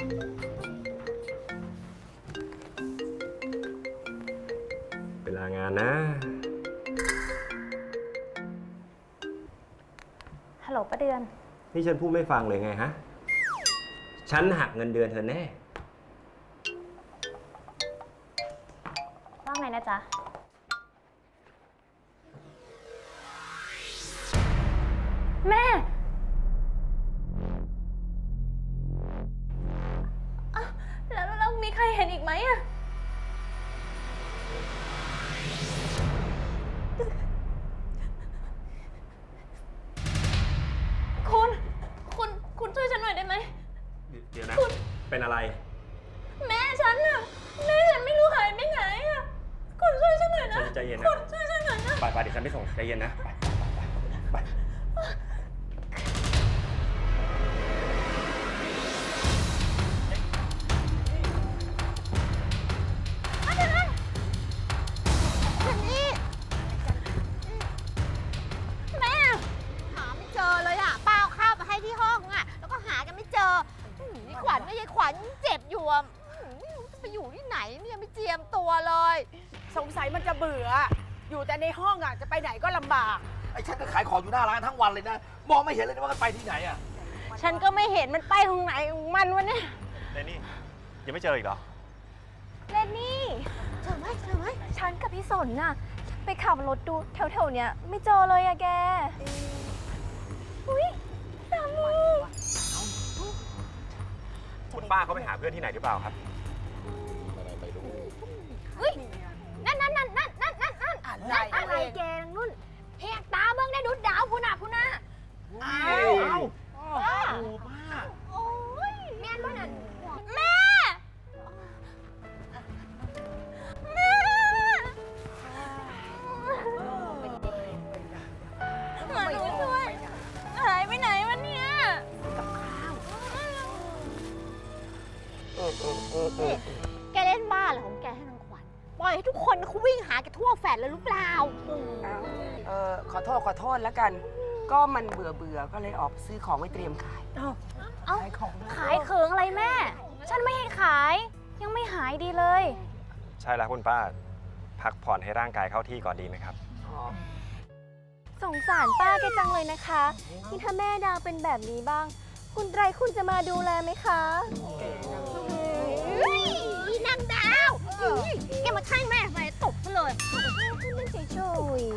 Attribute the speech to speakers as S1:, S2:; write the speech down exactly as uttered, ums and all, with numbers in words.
S1: เวลางานนะ
S2: ฮัลโหลป้าเดือน
S1: นี่ฉันพูดไม่ฟังเลยไงฮะฉันหักเงินเดือนเธอแน่
S2: ว่าไงนะจ๊ะแม่แล้วแล้วมีใครเห็นอีกไหมอะคุณคุณคุณช่วยฉันหน่อยได้ไหม
S1: เดี๋ยวนะเป็นอะไร
S2: แม่ฉันอะแม่ฉันไม่รู้หายไปไหนอะคุณช่วยฉันหน่อยนะ
S1: ใจเย็นนะ
S2: คุณช่วยฉันหน่อยนะ
S1: ไปไปเดี๋ยวฉันไปส่งใจเย็นนะไปไป
S2: แม่
S3: หาไม่เจอเลยอ่ะป้าเอาข้าวมาให้ที่ห้องอ่ะแล้วก็หากันไม่เจอนี่ขวัญก็ยายขวัญเจ็บอยู่อ่ะไม่รู้จะไปอยู่ที่ไหนเนี่ยไม่เจียมตัวเลย
S4: สงสัยมันจะเบื่ออยู่แต่ในห้องอ่ะจะไปไหนก็ลำบาก
S5: ไอ้ฉันก็ขายของอยู่หน้าร้านทั้งวันเลยนะมองไม่เห็นเลยว่ามันไปที่ไหนอ่ะ
S3: ฉันก็ไม่เห็นมันไปตรงไหนของมันวะเนี่ย
S1: เรนนี่ยังไม่เจออีกเหรอ
S2: เลนนี่
S3: เจอไหมเจอไหม
S2: ฉันกับพี่สนน่ะไปขับรถดูแถวๆเนี้ยไม่เจอเลยอะแกอุ้ยสามี
S1: คุณป้าเขาไปหาเพื่อนที่ไหนหรือเปล่าครับ
S3: เฮ้ยนั่นนั่นนั่นนั่นนั่นนั่นนั่น
S4: อะไร
S3: อะไรแกนุ่นแหกตาเบิ่งได้ดูดาวพูน่ะพูน่ะ
S4: อ้าวอ้าว
S3: ป้า
S4: โอ้ป้า
S3: โอ้ยแม่นบ่นั่นแม่แม่มาหนูช่วยหายไปไหนวะเนี่ยแกเล่นบ้าเหรอของแกให้นางขวัญปล่อยให้ทุกคนเขาวิ่งหาแกทั่วแฟลตเลยหรือเปล่า
S4: เออขอโทษขอโทษแล้วกัน ก็มันเบื่อเบื่อก็เลยออกซื้อของไว้เตรียมขาย
S2: เอ้า
S4: ขายของ
S2: ขายเขิงอะไรแม่ ฉันไม่ให้ขายยังไม่หายดีเลย
S1: ใช่แล้วคุณป้าพักผ่อนให้ร่างกายเข้าที่ก่อนดีไหมครับ
S2: สงสารป้าแกจังเลยนะคะที่ถ้าแม่ดาวเป็นแบบนี้บ้าง คุณไตรคุณจะมาดูแลไหมคะ
S3: นางดาวแกมาข้างแม่ทำไมตบซะเลย
S2: เฉยๆ